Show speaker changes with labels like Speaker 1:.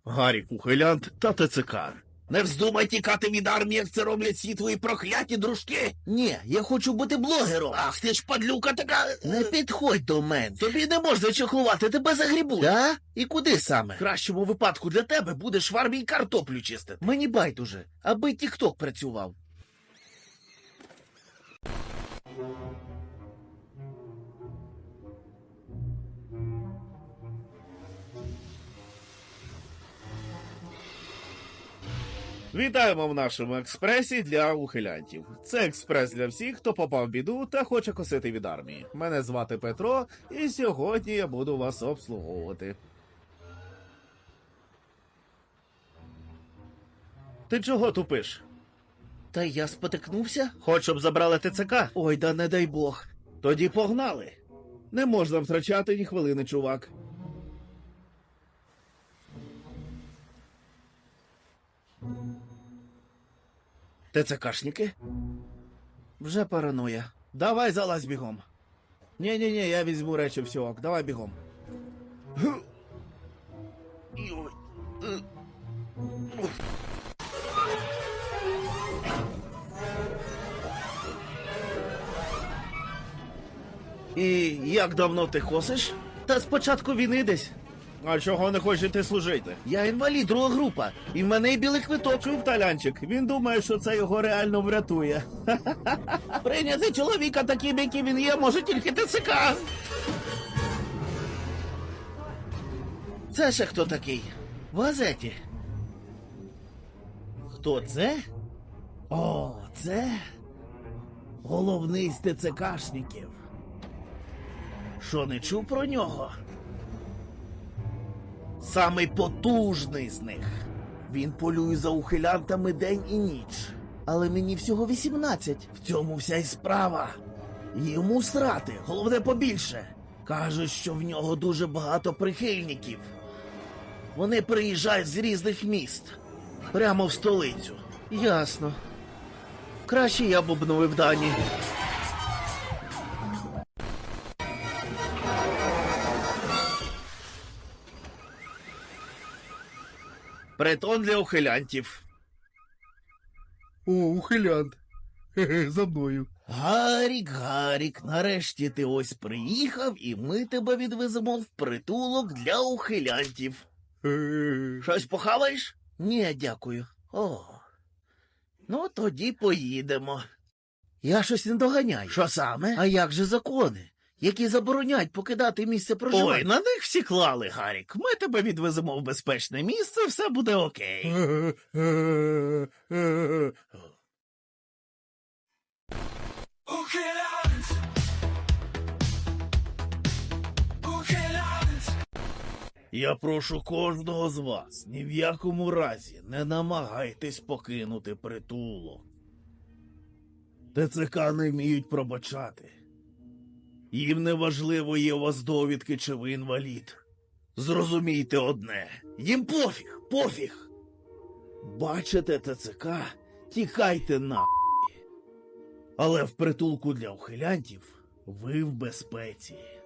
Speaker 1: Гарік ухилянт та ТЦК. Не вздумай тікати від армії, як це роблять всі твої прокляті дружки.
Speaker 2: Ні, я хочу бути блогером.
Speaker 1: Ах, ти ж падлюка така.
Speaker 2: Не підходь до мене.
Speaker 1: Тобі не можна чехлувати, тебе загрібуть.
Speaker 2: Да? І куди саме?
Speaker 1: В кращому випадку для тебе будеш в армії картоплю чистити.
Speaker 2: Мені байдуже, аби тік-ток працював.
Speaker 1: Вітаємо в нашому експресі для ухилянтів. Це експрес для всіх, хто попав в біду та хоче косити від армії. Мене звати Петро, і сьогодні я буду вас обслуговувати. Ти чого тупиш?
Speaker 2: Та я спотикнувся?
Speaker 1: Хоч щоб забрали ТЦК?
Speaker 2: Ой, да не дай Бог.
Speaker 1: Тоді погнали. Не можна втрачати ні хвилини, чувак. ТЦКшники?
Speaker 2: Вже параноя.
Speaker 1: Давай залазь бігом. Ні-ні-ні, я візьму речі всього. Давай бігом. І як давно ти косиш?
Speaker 2: Та з початку війни десь.
Speaker 1: А чого не хочеш йти служити?
Speaker 2: Я інвалід, друга група. І в мене і білий квиток.
Speaker 1: Чув талянчик, він думає, що це його реально врятує. Прийняти чоловіка таким, яким він є, може тільки ТЦК.
Speaker 2: Це ще хто такий? В газеті.
Speaker 1: Хто це? О, це головний з ТЦКшників. Що, не чув про нього? Самий потужний з них. Він полює за ухилянтами день і ніч.
Speaker 2: Але мені всього 18.
Speaker 1: В цьому вся й справа. Йому срати, головне побільше. Кажуть, що в нього дуже багато прихильників. Вони приїжджають з різних міст. Прямо в столицю.
Speaker 2: Ясно. Краще я б обновив дані.
Speaker 1: Притон для ухилянтів.
Speaker 2: О, ухилянт. Хе-хе, за мною.
Speaker 1: Гарік, нарешті ти ось приїхав, і ми тебе відвеземо в притулок для ухилянтів. Щось похаваєш?
Speaker 2: Ні, дякую.
Speaker 1: О, ну тоді поїдемо.
Speaker 2: Я щось не доганяю.
Speaker 1: Що саме?
Speaker 2: А як же закони, які забороняють покидати місце проживання?
Speaker 1: Ой, на них всі клали, Гарік. Ми тебе відвеземо в безпечне місце, все буде окей. Я прошу кожного з вас, ні в якому разі не намагайтесь покинути притулок. ТЦК не вміють пробачати. Їм не важливо, є у вас довідки чи ви інвалід. Зрозумійте одне, їм пофіг. Бачите ТЦК, тікайте нахуй. Але в притулку для ухилянтів ви в безпеці.